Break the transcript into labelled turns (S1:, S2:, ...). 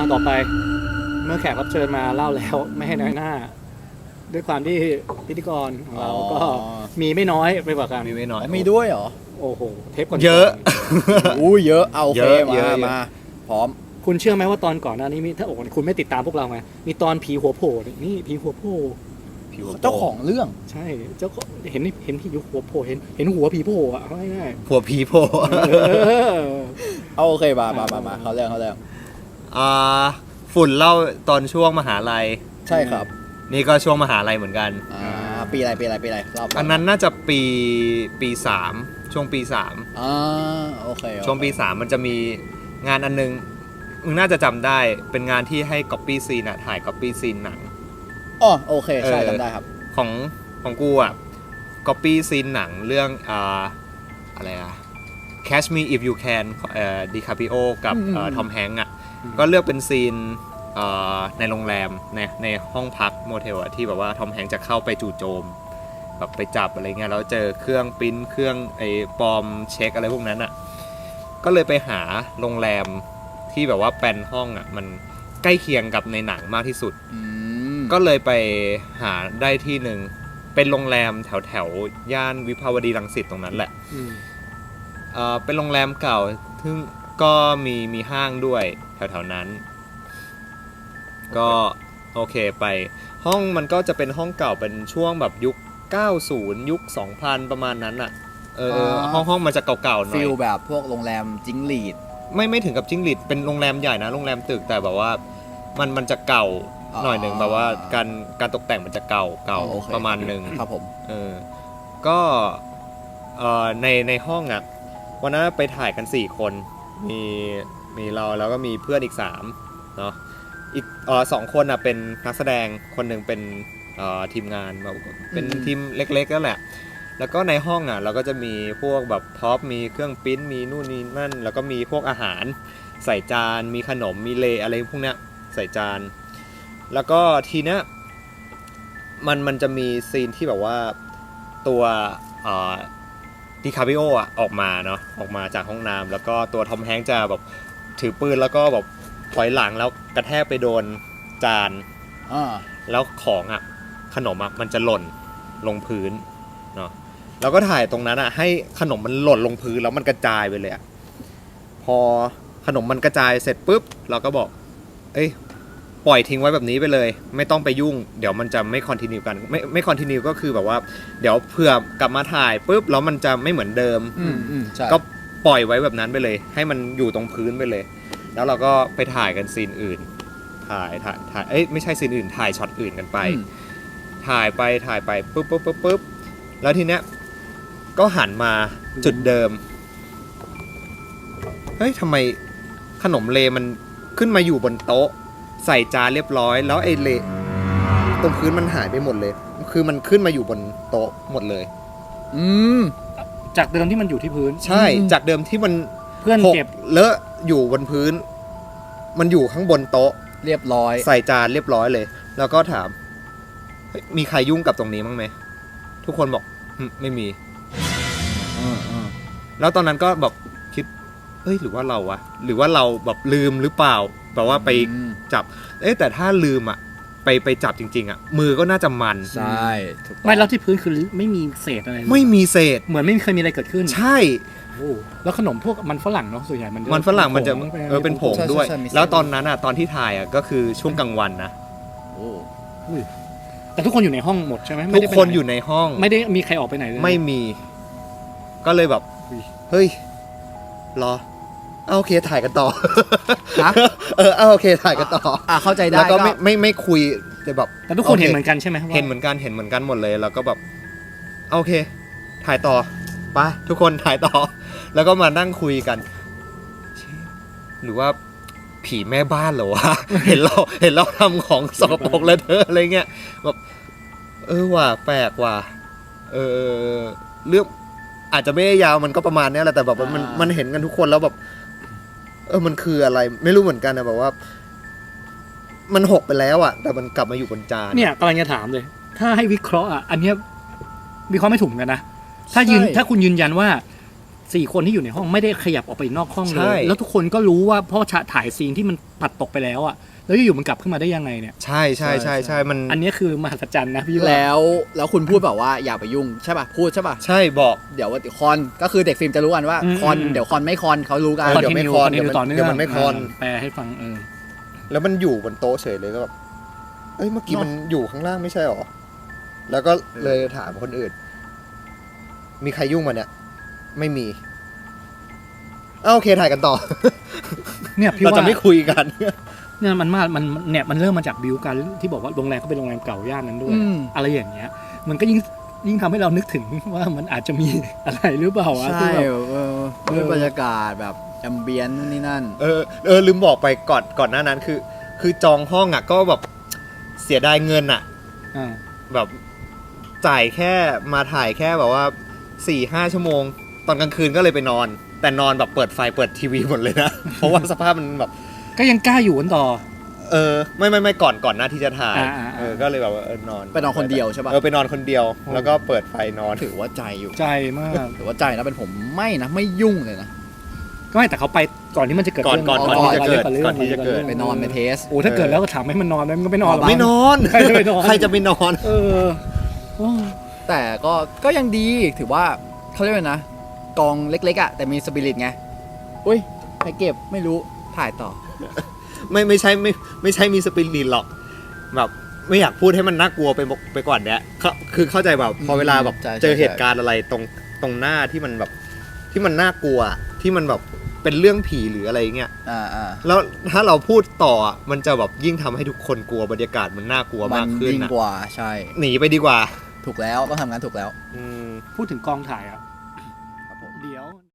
S1: ต่อไปเมื่อแขกรับเชิญมาเล่าแล้วไม่ให้น้อยหน้า ด้วยความที่พิธีกรของเราก็มีไม่น้อยไปกว่ากัน
S2: มีไม่น้อย
S3: มีด้วยเหรอ
S1: โอ้โหเทปก่อนๆ
S2: เยอะ
S3: อู้เยอะเอาโอเค
S2: เยอะ
S3: มาพร้อม
S1: คุณเชื่อไหมว่าตอนก่อนหน้านี้มีถ้าโอ้โหคุณไม่ติดตามพวกเราไงมีตอนผีหัวโผล่นี่ผีหัวโผล่
S3: เจ้าของเรื่อง
S1: ใช่เจ้าก็เห็นผีหัวโผล่เห็นหัวผีโผล่อะง่าย
S2: หัวผีโผล่
S1: ๆเออ
S3: เอาโอเคมาเขาเรื่อง
S2: ฝุ่นเล่าตอนช่วงมหาลัย
S3: ใช่ครับ
S2: นี่ก็ช่วงมหาลัยเหมือนกัน
S3: ปีอะไรเล่า
S2: อันนั้นน่าจะปี3ช่วงปี3
S3: โอเค
S2: ช่วงปี3มันจะมีงานอันนึงมึงน่าจะจำได้เป็นงานที่ให้ copy scene อะถ่าย copy scene หนัง
S3: อ๋อโอเคใช่จำได้ครับ
S2: ของกูอะ copy scene หนังเรื่องอะไรอะ Catch Me If You Can ดิคาปิโอกับทอมแฮงค์อะก็เลือกเป็นซีนในโรงแรมในห้องพักโมเทลอะที่แบบว่าทอมแฮงค์จะเข้าไปจู่โจมแบบไปจับอะไรเงี้ยแล้วเจอเครื่องปริ้นเครื่องไอ้ปลอมเช็คอะไรพวกนั้นอะก็เลยไปหาโรงแรมที่แบบว่าแปลนห้องอะมันใกล้เคียงกับในหนังมากที่สุดก็เลยไปหาได้ที่หนึ่งเป็นโรงแรมแถวย่านวิภาวดีรังสิตตรงนั้นแหละเป็นโรงแรมเก่าซึ่งก็มีห้างด้วยแถวๆนั้นก็โอเคไปห้องมันก็จะเป็นห้องเก่าเป็นช่วงแบบยุค90ยุค2000ประมาณนั้นอ่ะห้องมันจะเก่าๆหน่อย
S3: ฟีลแบบพวกโรงแรมจิ้งหรีด
S2: ไม่ถึงกับจิ้งหรีดเป็นโรงแรมใหญ่นะโรงแรมตึกแต่แบบว่ามันจะเก่าหน่อยหนึ่งแบบว่าการตกแต่งมันจะเก่าประมาณนึง
S3: ครับผม
S2: ก็ในห้องอ่ะวันนั้นไปถ่ายกัน4คนมีเราแล้วก็มีเพื่อนอีก3เนาะอีก2คนอ่ะเป็นนักแสดงคนหนึ่งเป็นทีมงานเป็นทีมเล็กๆนั่นแหละแล้วก็ในห้องอ่ะเราก็จะมีพวกแบบพ็อปมีเครื่องปริ้นมีนู่นนี่นั่นแล้วก็มีพวกอาหารใส่จานมีขนมมีเลอะไรพวกเนี้ยใส่จานแล้วก็ทีเนี้ยมันจะมีซีนที่แบบว่าตัวดิคาปิโออ่ะออกมาเนาะออกมาจากห้องน้ำแล้วก็ตัวทอมแฮงค์จะแบบถือปืนแล้วก็แบบถอยหลังแล้วกระแทกไปโดนจานแล้วของอ่ะขนมอ่ะมันจะหล่นลงพื้นเนาะแล้วก็ถ่ายตรงนั้นอ่ะให้ขนมมันหล่นลงพื้นแล้วมันกระจายไปเลยอ่ะพอขนมมันกระจายเสร็จปุ๊บเราก็บอกปล่อยทิ้งไว้แบบนี้ไปเลยไม่ต้องไปยุ่งเดี๋ยวมันจะไม่คอนทินิวกันไม่คอนทินิวก็คือแบบว่าเดี๋ยวเผื่อกลับมาถ่ายปุ๊บแล้วมันจะไม่เหมือนเดิมก็ปล่อยไว้แบบนั้นไปเลยให้มันอยู่ตรงพื้นไปเลยแล้วเราก็ไปถ่ายกันซีนอื่นถ่ายไม่ใช่ซีนอื่นถ่ายช็อตอื่นกันไปถ่ายไปปุ๊บแล้วทีเนี้ยก็หันมาจุดเดิมทำไมขนมเลมันขึ้นมาอยู่บนโต๊ะใส่จานเรียบร้อยแล้วไอ้เลตรงพื้นมันหายไปหมดเลยคือมันขึ้นมาอยู่บนโต๊ะหมดเลย
S1: จากเดิมที่มันอยู่ที่พื้น
S2: ใช่จากเดิมที่มัน
S1: เพื่อนเก็บ
S2: เลอะอยู่บนพื้นมันอยู่ข้างบนโต๊ะ
S3: เรียบร้อย
S2: ใส่จานเรียบร้อยเลยแล้วก็ถามมีใครยุ่งกับตรงนี้มั้งไหมทุกคนบอกไม่มีแล้วตอนนั้นก็แบบคิดหรือว่าเราวะหรือว่าเราแบบลืมหรือเปล่าแบบว่าไปจับแต่ถ้าลืมอ่ะไปจับจริงๆอ่ะมือก็น่าจะมัน
S3: ใช่
S1: ไม่แล้วที่พื้นคือไม่มีเศษอะไร
S2: ไม่มีเศษ
S1: เหมือนไม่เคยมีอะไรเกิดขึ้น
S2: ใช่
S1: แล้วขนมพวกมันฝรั่งเนาะส่วนใหญ่
S2: มันฝรั่งมันจะเป็นผงด้วยแล้วตอนนั้นอ่ะตอนที่ถ่ายอ่ะก็คือช่วงกลางวันนะ
S1: แต่ทุกคนอยู่ในห้องหมดใช่ไหม
S2: ทุกคนอยู่ในห้อง
S1: ไม่ได้มีใครออกไปไหนเลย
S2: ไม่มีก็เลยแบบเฮ้ยรอโอเคถ่ายกันต่อโอเคถ่ายกันต่อ
S3: เข้าใจได้
S2: แล้วก็ไม่คุย
S1: แต่ทุกคนเห็นเหมือนกันใช่ไหม
S2: เห็นเหมือนกันหมดเลยแล้วก็แบบโอเคถ่ายต่อไปทุกคนถ่ายต่อแล้วก็มานั่งคุยกันหรือว่าผีแม่บ้านเหรอวะ เห็นเราทำของสกปรกแล้วเธออะไรเงี้ยแบบว่ะแปลกว่ะเรื่องอาจจะไม่ได้ยาวมันก็ประมาณนี้แหละแต่แบบมันเห็นกันทุกคนแล้วแบบมันคืออะไรไม่รู้เหมือนกันนะแบบว่ามันหกไปแล้วอ่ะแต่มันกลับมาอยู่บนจาน
S1: เนี่ยกำลังจะถามเลยถ้าให้วิเคราะห์อ่ะอันเนี้ยวิเคราะห์ไม่ถูกกันนะถ้าคุณยืนยันว่า 4 คนที่อยู่ในห้องไม่ได้ขยับออกไปนอกห้องเล
S2: ใช่
S1: ยแล้วทุกคนก็รู้ว่าเพราะถ่ายซีนที่มันปัดตกไปแล้วอ่ะแล้วอยู่ๆมันกลับขึ้นมาได้ยังไงเนี่ย
S2: ใช่ใช่ใช่ใช่มัน
S1: อันนี้คือมหัศจรรย์นะพี่ว่า
S3: แล้วคุณพูดแบบว่าอย่าไปยุ่งใช่ป่ะพูดใช่ป่ะ
S2: ใช่บอก
S3: เดี๋ยวคอนก็คือเด็กฟิล์มจะรู้กันว่าคอนเดี๋ยวคอนไม่คอนเขารู้กัน
S2: เดี๋ยวไม่คอน
S1: เดี๋ยวต่อเนื่อง
S2: เดี๋ยวมันไม่คอน
S1: แปลให้ฟัง
S2: แล้วมันอยู่บนโต๊ะเฉยเลยก็แบบเอ้ยเมื่อกี้มันอยู่ข้างล่างไม่ใช่หรอแล้วก็เลยถามคนอื่น มีใครยุ่งมาเนี่ยไม่มีโอเคถ่ายกันต่อ
S1: เนี่ยพี่
S2: เรา
S1: ว่า
S2: จะไม่คุยกัน
S1: เนี่ยมันเริ่มมาจากบิวกันที่บอกว่าโรงแรมก็เป็นโรงแรมเก่าย่านนั้นด้วย อะไรอย่างเงี้ย มันก็ยิ่งทำให้เรานึกถึงว่ามันอาจจะมีอะไรหรือเปล่าวะ
S3: ใช่
S1: ที่แบบ
S3: ด้วยบรรยากาศแบบแอมเบียนนี่นั่น
S2: ลืมบอกไปก่อนหน้านั้นคือจองห้องอ่ะก็แบบเสียดายเงินอ่ะ
S1: อ่า
S2: แบบจ่ายแค่มาถ่ายแค่แบบว่า 4-5 ชั่วโมง ตอนกลางคืนก็เลยไปนอน แต่นอนแบบเปิดไฟเปิดทีวีหมดเลยนะ เพราะว่าสภาพมันแบบ
S1: ก็ยังกล้าอยู่กันต่อ
S2: ไม่ก่อนหน้าที่จะถ่าย
S1: อ่า
S2: ก็เลยแบบว่านอน
S3: ไปนอนคนเดียวใช่ปะ
S2: ไปนอนคนเดียว แล้วก็เปิดไฟนอน
S3: ถือว่าใจอยู่
S1: ใจมาก
S3: ถือว่าใจนะเป็นผมไม่ยุ่งเลยนะ
S1: ก็ไม่แต่เขาไปก่อนที่มันจะเกิด
S2: ก่อน
S1: เรื่อง
S2: ก่อนที่จะเกิด
S1: รื่อง
S2: ก่อนที่จะเกิด
S3: ไปนอนไปเทส
S1: โอ้ถ้าเกิดแล้วก็ถามให้มันนอนมันก็ไม่นอนหรอก
S2: ไม่นอน
S1: ใครจะไปนอน
S2: ใครจะไปนอน
S1: เออโอ้
S3: แต่ก็ยังดีถือว่าเขาเรียกว่านะกองเล็กๆอ่ะแต่มีสปิริตไงอุ้ยใครเก็บไม่รู้ถ่ายต่อ
S2: ไม่ใช่มีสปิริตหรอกแบบไม่อยากพูดให้มันน่ากลัวไปกว่านี้คือเข้าใจแบบพอเวลาแบบ
S3: ใช่
S2: เจอเหตุการณ์อะไรตรงหน้าที่มันแบบที่มันน่ากลัวที่มันแบบเป็นเรื่องผีหรืออะไรเงี้ย แล้วถ้าเราพูดต่ออ่ะมันจะแบบยิ่งทำให้ทุกคนกลัวบรรยากาศมันน่ากลัว
S3: มั
S2: มากขึ้น
S3: ยิ่ง
S2: นะ
S3: กว่าใช่
S2: หนีไปดีกว่า
S3: ถูกแล้วต้องทำงานถูกแล้ว
S2: อืม
S1: พูดถึงกองถ่ายอ่ะ
S3: ครับผม
S1: เดี๋ยว